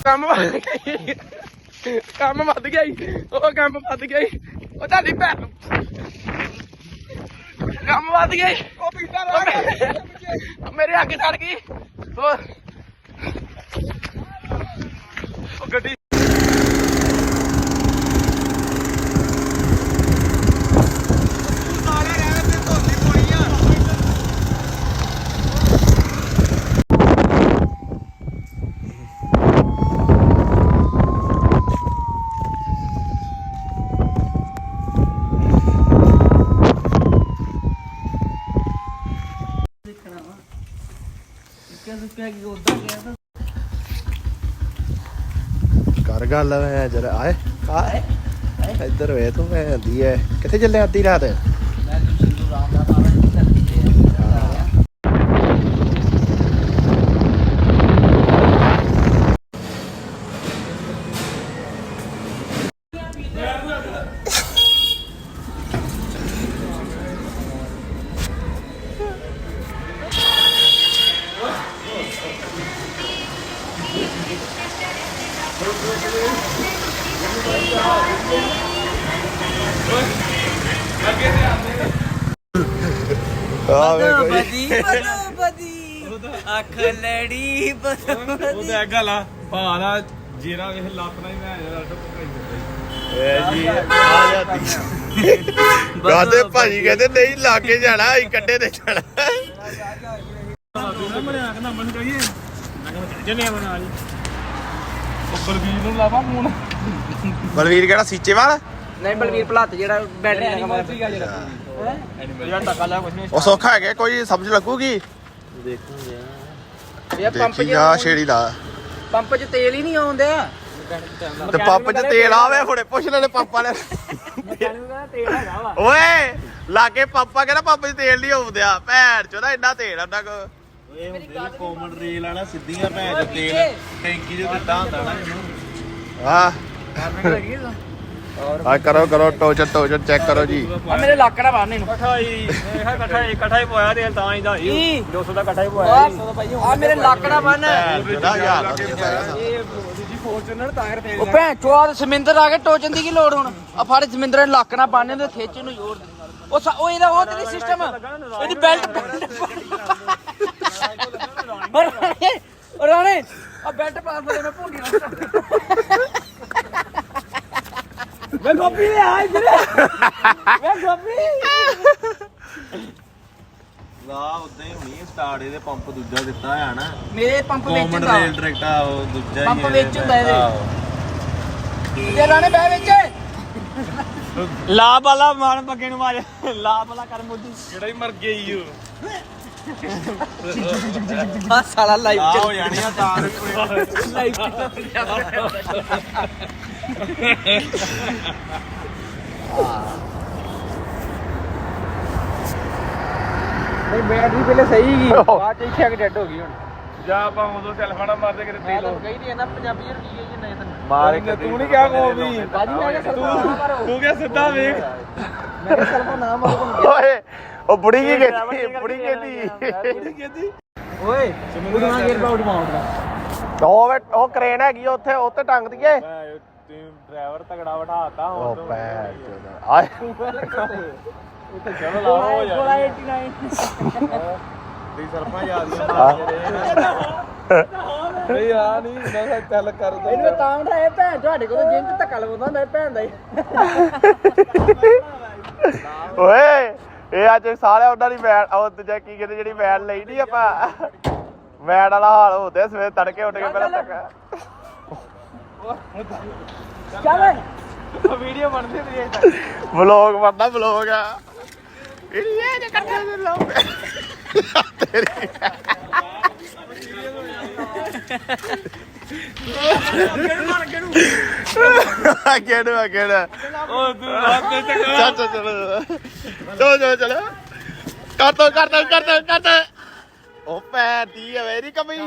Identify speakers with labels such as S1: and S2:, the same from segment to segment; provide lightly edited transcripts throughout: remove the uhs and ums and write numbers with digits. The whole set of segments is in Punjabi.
S1: ਕੰਮ ਵੱਧ ਗਿਆ ਉਹ ਕੰਮ ਵੱਧ ਗਿਆ ਉਹ ਤੁਹਾਡੀ ਭੈਣ ਕੰਮ ਵੱਧ ਗਿਆ ਉਹ ਪੀਟਾ ਮੇਰੇ ਅੱਗੇ ਚੜ ਗਈ ਉਹ ਗੱਡੀ
S2: कर गल मैं जरा आए आए इधर वे तू मैं आंदी है किथे चले आधी रात
S3: ਅੱਖ ਲੜੀ
S1: ਉਹਦਾ ਗੱਲ ਆ ਭਾਲਾ ਜੇਰਾ ਵੇਖ ਲਾਪਣਾ ਹੀ ਮੈਂ
S2: ਜੀ आ जाती गाते भाजी कहते नहीं लागे जाना कट्टे ते जाना बलवीर केड़ा सीचे वाला
S3: ਨਹੀਂ ਬਲਵੀਰ ਭਲਾਤ ਜਿਹੜਾ ਬੈਟਰੀ ਲਗਾ
S1: ਜਿਹੜਾ ਟੱਕਾ ਲਿਆ ਕੁਛ ਨਹੀਂ
S2: ਉਹ ਸੌਖਾ ਹੈਗਾ ਕੋਈ ਸਮਝ ਲੱਗੂਗੀ
S3: ਦੇਖੂਗੇ ਇਹ ਪੰਪ
S2: ਦੇਖੀ ਜਾ ਛੇੜੀ ਲਾ
S3: ਪੰਪ 'ਚ ਤੇਲ ਹੀ ਨਹੀਂ ਆਉਂਦਾ
S2: ਤੇ ਪੰਪ 'ਚ ਤੇਲ ਆਵੇ ਹੁਣੇ ਪੁੱਛ ਲੈਣੇ ਪੰਪਾਂ ਨੇ
S3: ਤੇਲ ਹੈਗਾ ਵਾ
S2: ਓਏ ਲਾਗੇ ਪੰਪਾ ਕਹਿੰਦਾ ਪੰਪ 'ਚ ਤੇਲ ਨਹੀਂ ਆਉਂਦਿਆ ਭੈਣ ਚੋਦਾ ਇੰਨਾ ਤੇਲ ਉਹਨਾਂ ਕੋ
S4: ਇਹ ਹੁੰਦੇ ਕਾਮਨ ਰੇਲ ਵਾਲਾ ਸਿੱਧੀਆਂ ਭੈਣ ਚ ਤੇਲ ਟੈਂਕੀ ਜੋ ਦਿੱਤਾ ਹੁੰਦਾ ਨਾ ਇਹਨੂੰ
S2: ਹਾਂ ਆ ਕਰੋ ਟੋਚਨ ਚੈੱਕ ਕਰੋ ਜੀ
S3: ਆ ਮੇਰੇ ਲੱਕੜਾ ਬੰਨ ਇਹਨੂੰ
S1: ਇਕੱਠਾ ਹੀ ਪੋਇਆ ਤੇਲ ਤਾਂ ਹੀ ਦਾ 200 ਦਾ ਇਕੱਠਾ ਹੀ ਪੋਇਆ
S3: ਆ ਮੇਰੇ ਲੱਕੜਾ ਬੰਨ
S1: ਦੂਜੀ ਫੋਰਚੂਨਰ ਤਾਂ ਕਰਕੇ
S3: ਉਹ ਭੈਣ ਚੋਆ ਸਮਿੰਦਰ ਆ ਕੇ ਟੋਚਣ ਦੀ ਕੀ ਲੋੜ ਹੁਣ ਆ ਫੜ ਸਮਿੰਦਰ ਨੇ ਲੱਕੜਾ ਬੰਨ ਤੇ ਖਿੱਚ ਨੂੰ ਜ਼ੋਰ ਦੇ ਉਹ ਇਹਦਾ ਉਹ ਤੇਰੀ ਸਿਸਟਮ ਇਹਦੀ ਬੈਲਟ ਰਾਣੇ ਆ ਬੈਲਟ ਪਾਸ ਦੇ ਮੈਂ ਭੁੰਡੀ ਨਾ ਵੇ ਗੋਪੀ ਆ ਇਧਰ ਵੇ ਗੋਪੀ
S4: ਲਾ ਉਦਾਂ ਹੀ ਹੋਣੀ ਸਟਾਰਟ ਇਹਦੇ ਪੰਪ ਦੂਜਾ ਦਿੱਤਾ ਹੋਇਆ ਨਾ
S3: ਮੇਰੇ ਪੰਪ ਵਿੱਚ
S4: ਕਾਮਨ
S3: ਹੁੰਦਾ
S4: ਰੇਲ ਡਾਇਰੈਕਟ ਆ ਉਹ ਦੂਜਾ ਹੀ
S3: ਪੰਪ ਵਿੱਚ ਹੁੰਦਾ ਇਹਦੇ ਤੇ ਰਾਣੇ ਬਹਿ ਵਿੱਚ
S1: ਲਾ ਬਾਲਾ ਮਾਰ ਪੱਕੇ ਨੂੰ ਮਾਰ ਲਾ ਬਾਲਾ ਕਰ ਮੋਦੀ ਜਿਹੜਾ ਹੀ ਮਰ ਗਿਆ ਈ
S3: ਆ ਸਾਲਾ ਲਾਈਵ
S4: ਆ ਹੋ ਜਾਣੀ ਆ ਤਾਂ
S3: ਲਾਈਵ ਨਹੀਂ ਬੈਟਰੀ ਪਹਿਲੇ ਸਹੀ ਗਈ ਬਾਅਦ ਚ ਇੱਥੇ ਆ ਕੇ ਡੈਡ ਹੋ ਗਈ ਹੁਣ
S1: ਜਾਂ ਆਪਾਂ ਉਦੋਂ ਟੈਲੀਫੋਨ ਮਾਰਦੇ ਕਿਤੇ
S3: ਮੈਂ ਤਾਂ ਕਹੀ ਨਹੀਂ ਨਾ ਪੰਜਾਬੀ ਚ ਕੀ ਹੈ ਨਹੀਂ ਤੈਨੂੰ
S4: ਮਾਰ
S1: ਤੂੰ ਨਹੀਂ ਕਿਹਾ ਕੋ ਵੀ
S3: ਬਾਜੀ ਮੈਂ ਕਿਹਾ ਸਲਫਾ ਨਾ ਮਾਰੋ
S1: ਤੂੰ ਕਿਹਾ ਸਿੱਧਾ ਵੇਖ
S3: ਮੈਂ ਕਿਹਾ ਸਲਫਾ ਨਾ ਮਾਰੋ
S2: ਓਏ ਉਹ ਬੁੜੀ ਕੀ ਕਹਿੰਦੀ
S3: ਓਏ ਉਡਵਾ ਗੇਅਰ ਬਾਊਟ ਮਾਉਂਦਾ
S2: ਉਹ ਕਰੇਨ ਹੈਗੀ ਉੱਥੇ ਉੱਤੇ ਟੰਗ ਦਈਏ
S1: ਤੂੰ ਡਰਾਈਵਰ ਤਗੜਾ ਬਿਠਾਤਾ
S2: ਉਹ ਭੈਣ ਚੋਦਾ ਆਏ
S1: ਉੱਥੇ ਚਲੋ ਲਾ ਹੋ ਜਾ
S3: ਗੋਲਾ 89
S4: ਦੀ ਸਰਪਾ ਯਾਦ
S1: ਨਹੀਂ ਆ ਨਹੀਂ ਮੈਂ ਚੱਲ ਕਰਦਾ
S3: ਇਹਨੂੰ ਤਾਂ ਉਠਾਏ ਭੈਣ ਤੁਹਾਡੇ ਕੋਲ ਜਿੰਮ ਚ ਧੱਕਾ ਲਵਾਉਂਦਾ ਮੈਂ ਭੈਣ ਦਾ ਹੀ
S2: ਓਏ ਇਹ ਅੱਜ ਸਾਰੇ ਉਹਨਾਂ ਦੀ ਵੈਨ ਉਹ ਦੂਜਾ ਕੀ ਕਹਿੰਦੇ ਜਿਹੜੀ ਵੈਨ ਲਈ ਨਹੀਂ ਆਪਾਂ ਵੈਨ ਵਾਲਾ ਹਾਲ ਹੁੰਦੇ ਸਵੇਰ ਤੜਕੇ ਉੱਠ ਕੇ ਪਹਿਲਾਂ ਤੱਕ
S3: ਚੱਲ
S1: ਵੀਡੀਓ ਬਣਦੀ ਤੇ
S2: ਵਲੌਗ ਬਣਦਾ ਵਲੌਗ ਆ ਇਹ ਜੇ ਕੱਟੇ ਦੇ ਲੋਕ ਤੇਰੀ ਕਿਹੜਾ
S1: ਉਹ ਤੂੰ ਰਾਤ ਤੇ
S2: ਚੱਲ ਕਰ ਦੋ ਉਹ ਪੈਦੀ ਹੈ ਮੇਰੀ ਕਮੀ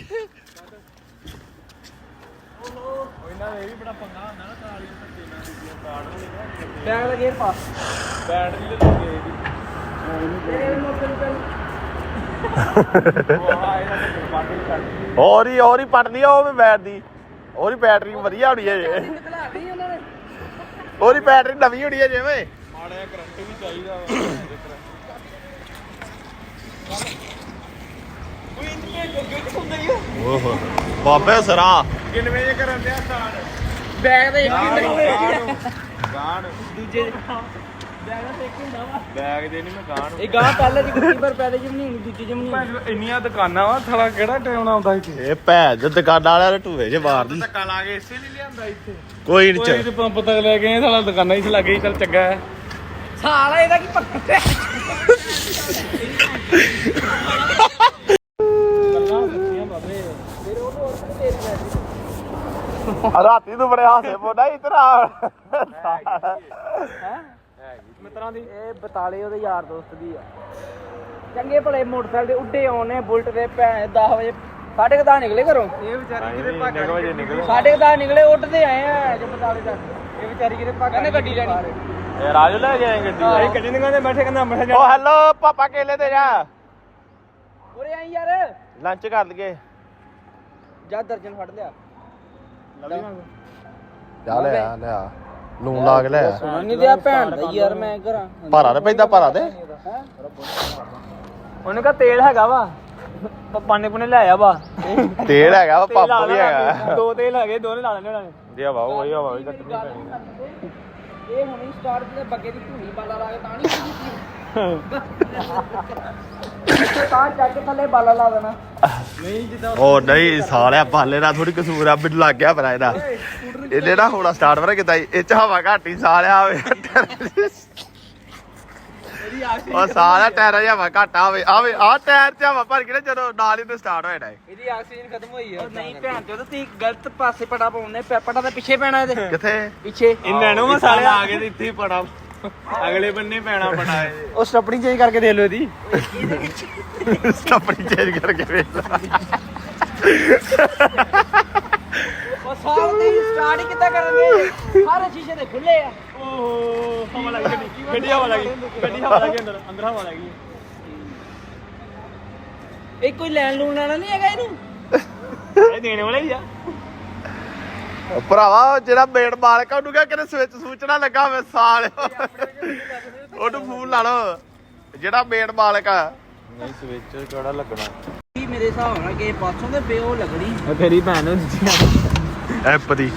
S1: ਇਹਨਾਂ ਦੇ ਵੀ ਬੜਾ ਪੰਗਾ ਹੁੰਦਾ ਨਾ ਤਾਲੀਆਂ ਧੱਕੇ ਨਾਲ ਦੂਜੀਆਂ ਕਾਰਡ ਨਹੀਂ
S3: ਬੈਗ ਦਾ ਗੇਅਰ ਪਾ
S1: ਬੈਟਰੀ ਤੇ ਲੱਗੇ ਇਹਦੀ
S3: ਤੇਰੇ ਮੋਟਰ ਨੂੰ
S1: ਉਹ ਆ ਇਹਦਾ ਤੇ ਬਾਟਲ ਕੱਢ
S2: ਹੋਰ ਹੀ ਪਟਦੀ ਆ ਉਹ ਵੀ ਬੈਠਦੀ ਉਹਦੀ ਬੈਟਰੀ ਵਧੀਆ ਹੋਣੀ ਹੈ ਜੇ ਉਹਦੀ ਬੈਟਰੀ ਨਵੀਂ ਹੋਣੀ ਹੈ ਜਿਵੇਂ
S1: ਮਾੜਾ ਕਰੰਟ ਵੀ ਚਾਹੀਦਾ
S2: ਓਹੋ ਬਾਬੇ ਸਰਾ
S1: ਕਿੰਨੇ ਵਜੇ ਕਰਨ ਦਿਆ ਸਟਾਰਟ
S3: ਬੈਗ ਦੇ ਇੱਕ
S4: ਗਾਣ
S3: ਦੂਜੇ
S1: ਬੈਗ ਦਾ ਇੱਕ ਹੁੰਦਾ ਵਾ
S4: ਬੈਗ ਦੇ ਨਹੀਂ ਮੈਂ ਗਾਣ
S3: ਇਹ ਗਾਂ ਪਹਿਲੇ ਦੀ ਕੁੱਤੀ ਪਰ ਪੈਦੇ ਜਿਮ ਨਹੀਂ ਹੋਣੀ ਦੂਜੀ ਜਿਮ ਨਹੀਂ ਹੋਣੀ।
S1: ਇੰਨੀਆਂ ਦੁਕਾਨਾਂ ਵਾ ਥਲਾ ਕਿਹੜਾ ਟਾਈਮ ਆਉਂਦਾ ਇੱਥੇ
S2: ਇਹ ਭੈਣ ਜੋ ਦੁਕਾਨਾਂ ਵਾਲਿਆਂ ਨੇ ਢੂਏ ਜੇ ਮਾਰਦੀ
S4: ਧੱਕਾ ਲਾ ਕੇ ਇਸੇ ਲਈ ਲਿਆਂਦਾ ਇੱਥੇ
S2: ਕੋਈ ਨਹੀਂ
S1: ਕੋਈ ਤੇ ਪੰਪ ਤੱਕ ਲੈ ਗਏ ਥਲਾ ਦੁਕਾਨਾਂ ਹੀ ਲੱਗੇ ਚੱਲ ਚੰਗਾ ਹੈ
S3: ਸਾਲਾ ਇਹਦਾ ਕੀ ਪੱਕਾ
S1: ਗੱਲਾਂ ਸੱਚੀਆਂ ਬਾਬੇ
S2: ਰਾਤੀ ਤੂੰ ਬੜੇ ਹਾਸੇ ਪੋਦਾ ਇਧਰ ਆ
S1: ਮਿੱਤਰਾਂ ਦੀ
S3: ਇਹ ਬਤਾਲੇ ਉਹਦੇ ਯਾਰ ਦੋਸਤ ਦੀ ਆ ਚੰਗੇ ਭਲੇ ਮੋਟਰਸਾਈਕਲ ਦੇ ਉੱਡੇ ਆਉਣੇ ਬੁਲਟ ਦੇ ਭੈਣ 10 ਵਜੇ 10:30 ਨਿਕਲੇ ਘਰੋਂ
S1: ਇਹ ਵਿਚਾਰੀ ਕਿਤੇ ਭਾਗ ਵਜੇ ਨਿਕਲੇ
S3: 10:30 ਨਿਕਲੇ ਉੱਡਦੇ ਆਏ ਆ ਜੇ ਬਤਾਲੇ ਤੱਕ ਇਹ ਵਿਚਾਰੀ ਕਿਤੇ ਭਾਗ ਕਹਿੰਦੇ ਗੱਡੀ ਲੈਣੀ
S2: ਇਹ ਰਾਜੂ ਲੈ ਕੇ ਆਏ ਗੱਡੀ
S1: ਅਸੀਂ ਗੱਡੀ ਨਿਕਾਲੇ ਬੈਠੇ ਕਹਿੰਦਾ ਅੰਮ੍ਰਿਤਸਰ ਜਾ
S2: ਓ ਹੈਲੋ ਪਾਪਾ ਕੇਲੇ ਦੇ ਜਾ
S3: ਉਰੇ ਆਈ ਯਾਰ
S2: ਲੰਚ ਕਰ ਲਈਏ
S3: ਜਾ ਦਰਜਨ ਫੜ ਲਿਆ
S2: ਜਾ ਲੈ ਆ ਲੂਣ ਲਾ ਕੇ ਲੈ ਆ
S3: ਸੁਣ ਨਹੀਂ ਦਿਆ ਭੈਣ ਦਾ ਯਾਰ ਮੈਂ ਕਰਾਂ
S2: ਭਾਰਾ ਤੇ ਪੈਂਦਾ ਭਾਰਾ ਤੇ
S1: ਉਹਨੇ ਕਹਾ ਤੇਲ ਹੈਗਾ ਵਾ ਪਾਣੇ ਪੁਣੇ ਲੈ ਆ ਵਾ
S2: ਤੇਲ ਹੈਗਾ ਵਾ ਪੰਪ ਵੀ ਹੈਗਾ
S1: ਦੋ ਤੇਲ ਹੈਗੇ ਦੋਨੇ ਲਾ ਲੈਣੇ ਉਹਨਾਂ ਨੇ
S2: ਜੇ ਹਵਾ ਉਹੀ ਹਵਾ ਵੀ ਕੱਟਣੀ ਪੈਣੀ
S3: ਇਹ ਹੁਣੀ ਸਟਾਰਟ ਤੇ ਬੱਗੇ ਦੀ ਧੂਣੀ ਬਾਲਾ ਲਾ ਕੇ ਤਾਂ ਨਹੀਂ ਕੀਤੀ ਤਾਂ ਚੱਕ ਕੇ ਥੱਲੇ ਬਾਲਾ ਲਾ ਦੇਣਾ
S2: ਉਹ ਨਹੀਂ ਸਾਲਿਆ ਬਾਲੇ ਦਾ ਥੋੜੀ ਕਸੂਰ ਆ ਮੈਨੂੰ ਲੱਗ ਗਿਆ ਪਤਾ ਇਹਦਾ ਇਹਨੇ ਨਾ ਹੋਣਾ ਸਟਾਰਟ ਵਰ ਕਿਤਾ ਇਹ ਚ ਹਵਾ ਘੱਟ ਹੀ ਸਾਲਿਆ ਆਵੇ ਉਹ ਸਾਰਾ ਟਾਇਰ ਜਿਹਾ ਹਵਾ ਘੱਟ ਆਵੇ ਆਵੇ ਆ ਟਾਇਰ ਚ ਹਵਾ ਭਰ ਕੇ ਨਾ ਜਦੋਂ ਨਾਲ ਹੀ ਤੇ ਸਟਾਰਟ ਹੋਇਆ ਹੈ
S3: ਇਹਦੀ ਆਕਸੀਜਨ ਖਤਮ ਹੋਈ ਆ ਨਹੀਂ ਭੈਣ ਚੋਦ ਤੁਸੀਂ ਗਲਤ ਪਾਸੇ ਪਟਾ ਪਾਉਂਦੇ ਪਟਾ ਤਾਂ ਪਿੱਛੇ ਪੈਣਾ ਇਹਦੇ
S2: ਕਿੱਥੇ
S3: ਪਿੱਛੇ
S1: ਇਹਨਾਂ ਨੂੰ ਮਸਾਲੇ
S4: ਆ ਕੇ ਤੇ ਇੱਥੇ ਹੀ ਪੜਾ ਅਗਲੇ ਬੰਨੇ ਪੈਣਾ ਪੜਾ ਇਹ
S1: ਉਹ ਸਟੱਪਣੀ ਚੇਂਜ ਕਰਕੇ ਦੇ ਲਓ ਇਹਦੀ
S2: ਸਟੱਪਣੀ ਚੇਂਜ ਕਰਕੇ ਵੇਖ
S3: ਉਹ ਸਾਲ ਤੇ ਸਟਾਰਟ ਹੀ ਕਿੱਦਾਂ ਕਰਨਗੇ ਸਾਰੇ ਸ਼ੀਸ਼ੇ ਦੇ ਖੁੱਲੇ ਆ
S1: ਓਹ ਹਵਾ ਲੱਗ ਗਈ ਗੱਡੀ ਹਵਾ ਲੱਗੀ ਗੱਡੀ ਹਵਾ ਲੱਗੀ ਅੰਦਰ ਹਵਾ ਲੱਗੀ
S3: ਇਹ ਕੋਈ ਲੈਣ ਲੂਣ ਵਾਲਾ ਨਹੀਂ ਹੈਗਾ ਇਹਨੂੰ
S1: ਇਹ ਦੇਣੇ ਵਾਲਾ ਹੀ ਆ
S2: ਭਰਾਵਾ ਜਿਹੜਾ ਮੇਨ ਮਾਲਕ ਆ ਉਹਨੂੰ ਕਿਹਾ ਕਿਤੇ ਸਵਿਚ ਸੂਚਣਾ ਲੱਗਾ ਹੋਵੇ ਸਾਲ ਉਹਨੂੰ ਫੋਨ ਲਾ ਲਓ ਜਿਹੜਾ ਮੇਨ ਮਾਲਕ ਆ
S4: ਨਹੀਂ ਸਵਿਚ ਕਿਹੜਾ ਲੱਗਣਾ
S3: ਕੀ ਮੇਰੇ ਹਿਸਾਬ ਨਾਲ ਕਿ ਪਾਸੋਂ ਦੇ ਪਿਓ ਲੱਗਣੀ
S1: ਤੇਰੀ ਭੈਣ ਨੂੰ
S2: ਐਪ ਦੀ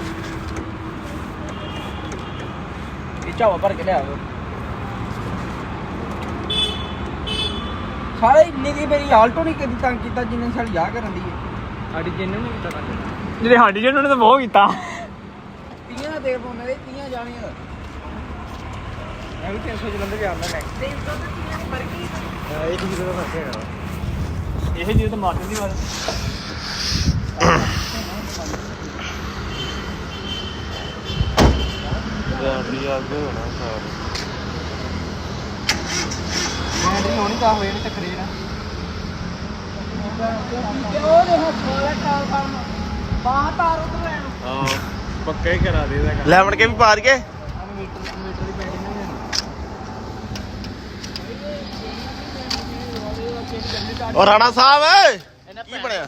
S3: ਇਹ ਝਾਵਾ ਭਰ ਕੇ ਲਿਆਓ ਸਾਰੇ ਇੰਨੇ ਦੀ ਮੇਰੀ ਆਲਟੋ ਨਹੀਂ ਕਦੀ ਤੰਗ ਕੀਤਾ ਜਿੰਨੇ ਸਾਲ ਯਾ ਕਰਨ ਦੀ ਹੈ
S1: ਸਾਡੀ ਜਿੰਨ ਨੂੰ ਕੀਤਾ ਜਿਹੜੇ ਸਾਡੀ ਜਿੰਨ ਨੇ ਤਾਂ ਬਹੁਤ ਕੀਤਾ
S3: 30 ਦਾ ਤੇਲ ਪਾਉਂਦੇ ਨੇ 30 ਜਾਣੀਆਂ ਦਾ
S1: ਮੈਂ ਵੀ 300 ਜਲੰਧਰ ਜਾਂਦਾ ਮੈਂ ਇਹ ਚੀਜ਼ ਦਾ ਫਰਕ ਹੈਗਾ ਇਹ ਚੀਜ਼ ਤਾਂ ਮਾਰ ਦਿੰਦੀ ਵਾਰ
S4: ਜਾਂਦੀ ਅੱਗੇ ਹੋਣਾ ਸਾਰ
S3: ਮੈਂ ਨਹੀਂ ਹੋਣੀ ਤਾਂ ਹੋਏ ਨਹੀਂ ਟੱਕਰੇ ਨਾ ਉਹ ਦੇ ਹੱਥ ਵਾਲਾ ਕਾਲ ਫਾਰਮ ਬਾਹ ਤਾਰ ਉਧਰ ਲੈਣ
S4: ਹਾਂ ਪੱਕਾ ਹੀ ਕਰਾ ਦੇ ਇਹਦਾ ਕੰਮ
S2: ਲੈਮਨ ਕੇ ਵੀ ਪਾ ਦਈਏ
S3: ਮੀਟਰ ਦੀ ਪੈਂਡਿੰਗ ਨਹੀਂ
S2: ਉਹ ਰਾਣਾ ਸਾਹਿਬ ਕੀ ਬਣਿਆ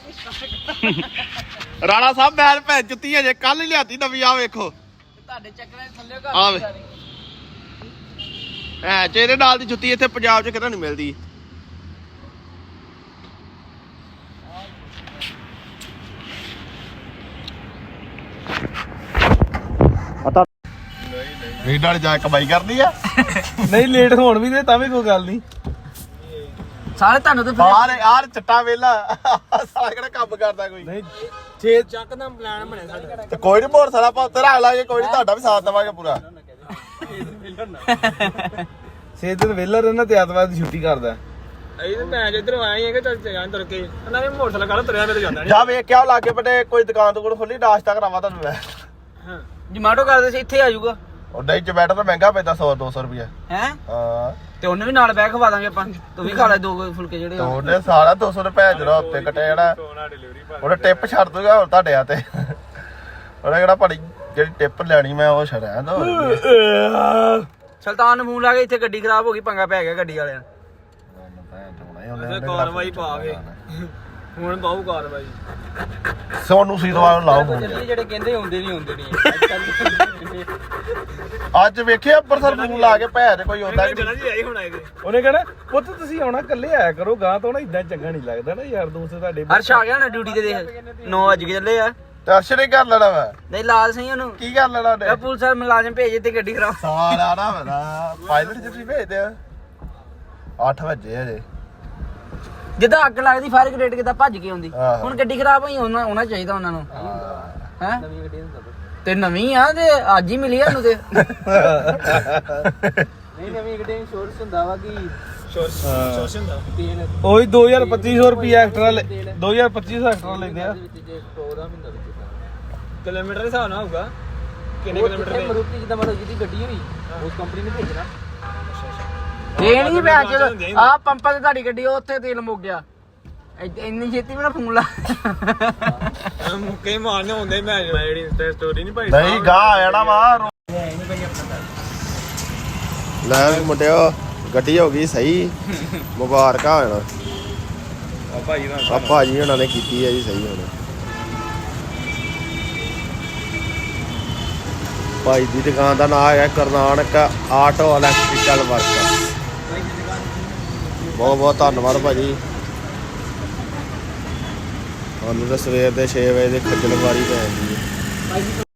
S2: ਰਾਣਾ ਸਾਹਿਬ ਮੈਂ ਭੈਣ ਜੁੱਤੀ ਅਜੇ ਕੱਲ ਹੀ ਲਿਆਤੀ ਨਵੀਂ ਆ ਵੇਖੋ
S3: ਤੁਹਾਡੇ ਚੱਕਰਾਂ ਦੇ ਥੱਲੇ
S2: ਆਵੇ ਐ ਚੇਰੇ ਨਾਲ ਦੀ ਜੁੱਤੀ ਇੱਥੇ ਪੰਜਾਬ 'ਚ ਕਿਤੇ ਨਹੀਂ ਮਿਲਦੀ ਪਤਾ ਨਹੀਂ ਨਾਲ ਜਾ ਕਮਾਈ ਕਰਦੀ ਆ
S1: ਨਹੀਂ ਲੇਟ ਹੋਣ ਵੀ ਦੇ ਤਾਂ ਵੀ ਕੋਈ ਗੱਲ ਨਹੀਂ
S3: ਸਾਰੇ ਤੁਹਾਨੂੰ ਤੇ
S2: ਆਰ ਚੱਟਾ ਵੇਲਾ ਸਾਲਾ ਕਿਹੜਾ ਕੰਮ ਕਰਦਾ ਕੋਈ
S1: ਨਹੀਂ 6 ਚੱਕ ਦਾ ਪਲਾਨ ਬਣਿਆ ਸਾਡਾ
S2: ਤੇ ਕੋਈ ਨਹੀਂ ਮੋਟਰਸਾਈਕਲ ਆਪਾਂ ਉੱਤੇ ਰੱਖ ਲਾਂਗੇ ਕੋਈ ਨਹੀਂ ਤੁਹਾਡਾ ਵੀ ਸਾਥ ਦੇਵਾਂਗੇ ਪੂਰਾ
S1: ਛੇ ਦਿਨ ਵਿਹਲਾ ਰਹਿਣਾ ਤੇ ਐਤਵਾਰ ਦੀ ਛੁੱਟੀ ਕਰਦਾ ਅਸੀਂ ਤਾਂ ਮੈਂ ਜਿੱਧਰੋਂ ਆਏ ਹੈਗੇ ਚੱਲ ਜਾਣ ਤੁਰ ਕੇ ਉਹਨਾਂ ਨੇ ਮੋਟਰਸਾਈਕਲ ਕੱਲ ਤੁਰਿਆ ਮੇਰੇ ਜਾਂਦਾ
S2: ਜਾ ਵੇਖ ਕੇ ਆਓ ਲਾਗੇ ਬਟੇ ਕੋਈ ਦੁਕਾਨ ਤੋਂ ਖੋਲੀ ਨਾਸ਼ਤਾ ਕਰਾਵਾਂ ਤੁਹਾਨੂੰ ਮੈਂ
S1: ਹਾਂ
S3: ਜਮਾਟੋ ਕਰਦੇ ਸੀ ਇੱਥੇ ਆ ਜਾਊਗਾ
S2: ਉਹ ਨਹੀਂ ਜਮੈਟੋ ਤਾਂ ਮਹਿੰਗਾ ਪੈਂਦਾ 100-200 ਰੁਪਏ
S3: ਹੈ
S2: ਹਾਂ
S3: ਤੇ ਉਹਨੇ ਵੀ ਨਾਲ ਬਹਿ ਖਵਾ ਦਾਂਗੇ ਆਪਾਂ ਤੂੰ ਵੀ ਖਾ ਲੈ ਦੋ ਫੁਲਕੇ ਜਿਹੜੇ ਆ।
S2: ਉਹਨੇ ਸਾਰਾ 200 ਰੁਪਏ ਜਿਹੜਾ ਉੱਤੇ ਕੱਟਿਆ ਜਿਹੜਾ ਉਹਨੇ ਟਿਪ ਛੱਡ ਦੂਗਾ ਹੋਰ ਤੁਹਾਡੇ ਆ ਤੇ ਉਹਨੇ ਕਿਹੜਾ ਪੜੀ ਜਿਹੜੀ ਟਿਪ ਲੈਣੀ ਮੈਂ ਉਹ ਛੜਿਆ ਦੋ
S3: ਸੁਲਤਾਨ ਨੂੰ ਫੋਨ ਲਾ ਕੇ ਇੱਥੇ ਗੱਡੀ ਖਰਾਬ ਹੋ ਗਈ ਪੰਗਾ ਪੈ ਗਿਆ ਗੱਡੀ ਵਾਲਿਆਂ
S1: ਕਾਰਵਾਈ ਪਾ ਕੇ ਹੁਣ ਪਾਉ ਕਾਰਵਾਈ
S2: ਸੋਨੂੰ ਸੀਤਵਾਲ ਨੂੰ ਲਾਓ ਫੋਨ।
S3: ਜਿਹੜੇ ਕਹਿੰਦੇ ਹੁੰਦੇ ਨਹੀਂ
S2: ਅੱਜ ਵੇਖਿਆ ਅੰਮ੍ਰਿਤਸਰ ਫੋਨ ਲਾ ਕੇ ਭੈ ਤੇ ਕੋਈ ਆਉਂਦਾ ਕਿ
S1: ਜਣਾ ਜੀ ਆਈ ਹੁਣ ਆਏ ਦੇ
S5: ਉਹਨੇ ਕਹਿਣਾ ਪੁੱਤ ਤੁਸੀਂ ਆਉਣਾ ਇਕੱਲੇ ਆਇਆ ਕਰੋ ਗਾਂ ਤੋਂ ਨਾ ਇਦਾਂ ਚੰਗਾ ਨਹੀਂ ਲੱਗਦਾ ਨਾ ਯਾਰ ਦੋਸਤ ਤੁਹਾਡੇ
S3: ਹਰਸ਼ ਆ ਗਿਆ ਨਾ ਡਿਊਟੀ ਤੇ ਦੇਖ 9 ਵਜੇ ਚੱਲੇ ਆ
S2: ਦਰਸ਼ਨ ਹੀ ਕਰ ਲੈਣਾ ਵਾ
S3: ਨਹੀਂ ਲਾਲ ਸਿੰਘ ਉਹਨੂੰ
S2: ਕੀ ਕਰ ਲੈਣਾ ਉਹਨੇ
S3: ਪੁਲਿਸ ਵਾਲੇ ਮੁਲਾਜ਼ਮ ਭੇਜੇ ਤੇ ਗੱਡੀ ਖਰਾਬ
S2: ਸਾਲਾ ਨਾ ਮੇਰਾ ਪਾਇਲਟ ਜਿੱਥੇ ਭੇਜਦੇ ਆ 8 ਵਜੇ ਹਜੇ
S3: ਜਿੱਦਾਂ ਅੱਗ ਲੱਗਦੀ ਫਾਇਰ ਬ੍ਰਿਗੇਡ ਕਿੱਦਾਂ ਭੱਜ ਕੇ ਆਉਂਦੀ
S2: ਆਹੋ।
S3: ਹੁਣ ਗੱਡੀ ਖਰਾਬ ਹੋਈ ਉਹਨਾਂ ਚਾਹੀਦਾ ਉਹਨਾਂ ਨੂੰ ਹੈ ਤੇ ਨਵੀਂ ਆ ਤੇ ਅੱਜ ਹੀ ਮਿਲੀ ਆ ਉਹਨੂੰ ਤੇ ਨਹੀਂ ਨਵੀਂ ਗੱਡੀ ਇੰਸ਼ੋਰੈਂਸ ਹੁੰਦਾ ਵਾ ਕਿ
S1: ਸ਼ੋਸ਼ਨ ਦਾ
S3: ਤੇਲ
S5: ਉਹੀ 2250 ਰੁਪਏ ਐਕਸਟਰਾ 2250 ਐਕਸਟਰਾ ਲੈਂਦੇ ਆ
S1: ਕਿਲੋਮੀਟਰ ਦੇ ਹਿਸਾਬ ਨਾਲ ਹੋਊਗਾ ਕਿੰਨੇ ਕਿਲੋਮੀਟਰ ਦੇ
S3: ਮਰੂਤੀ ਜਿੱਦਾਂ ਮਤਲਬ ਜਿਹਦੀ ਗੱਡੀ ਹੋਈ ਉਸ ਕੰਪਨੀ ਨੇ ਭੇਜਣਾ ਇਹ ਨਹੀਂ ਪਿਆ ਜਦੋਂ ਆ ਪੰਪਾਂ ਤੇ ਤੁਹਾਡੀ ਗੱਡੀ ਉੱਥੇ ਤੇਲ ਮੁੱਕ ਗਿਆ ਇੰਨੀ ਛੇਤੀ ਵੀ ਨਾ ਫੋਨ ਲਾ
S1: ਮੁੱਕੇ ਮਾਰਨੇ ਹੁੰਦੇ ਮੈਂ ਜਿਹੜੀ ਸਟੋਰੀ ਨਹੀਂ ਪਾਈ
S2: ਨਹੀਂ ਗਾਂ ਆ ਜਾਣਾ ਵਾ ਲੈ ਵੀ ਮੁੰਡਿਓ ਗੱਡੀ ਹੋ ਗਈ ਸਹੀ ਮੁਬਾਰਕਾਂ ਹੋਣਾ ਆ ਭਾਜੀ ਉਹਨਾਂ ਨੇ ਕੀਤੀ ਹੈ ਜੀ ਸਹੀ ਹੁਣ ਭਾਈ ਦੀ ਦੁਕਾਨ ਦਾ ਨਾਮ ਹੈ ਕਰਨਾਟਕ ਆਟੋ ਇਲੈਕਟ੍ਰੀਕਲ ਵਰਕ ਬਹੁਤ ਬਹੁਤ ਧੰਨਵਾਦ ਭਾਜੀ ਸਾਨੂੰ ਤਾਂ ਸਵੇਰ ਦੇ 6 ਵਜੇ ਦੇ ਖੱਜਲ ਖੁਆਰੀ ਪੈ ਜਾਂਦੀ ਹੈ